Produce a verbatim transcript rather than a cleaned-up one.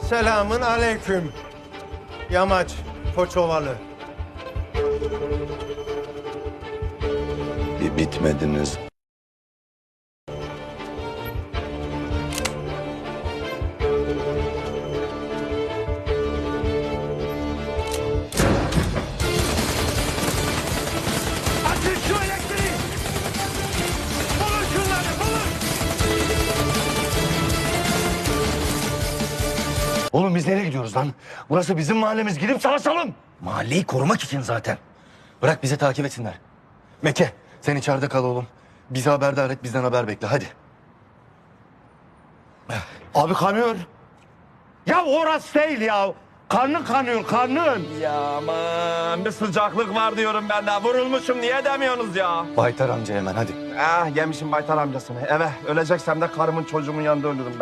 Selamın aleyküm. Yamaç, Koçovalı. Bir bitmediniz. Açın şu elektriği! Bulun şunları, bulun! Oğlum biz nereye gidiyoruz lan? Burası bizim mahallemiz. Gidip savaşalım. Mahalleyi korumak için zaten. Bırak bizi takip etsinler. Meke sen içeride kal oğlum. Bizi haberdar et, bizden haber bekle hadi. Abi kanıyor. Ya orası değil ya. Karnın kanıyor, karnın. Ya aman bir sıcaklık var diyorum ben de. Vurulmuşum niye demiyorsunuz ya? Baytar amca hemen hadi. Ah yemişim Baytar amcasını. Eve öleceksem de karımın çocuğumun yanında ölürüm ben.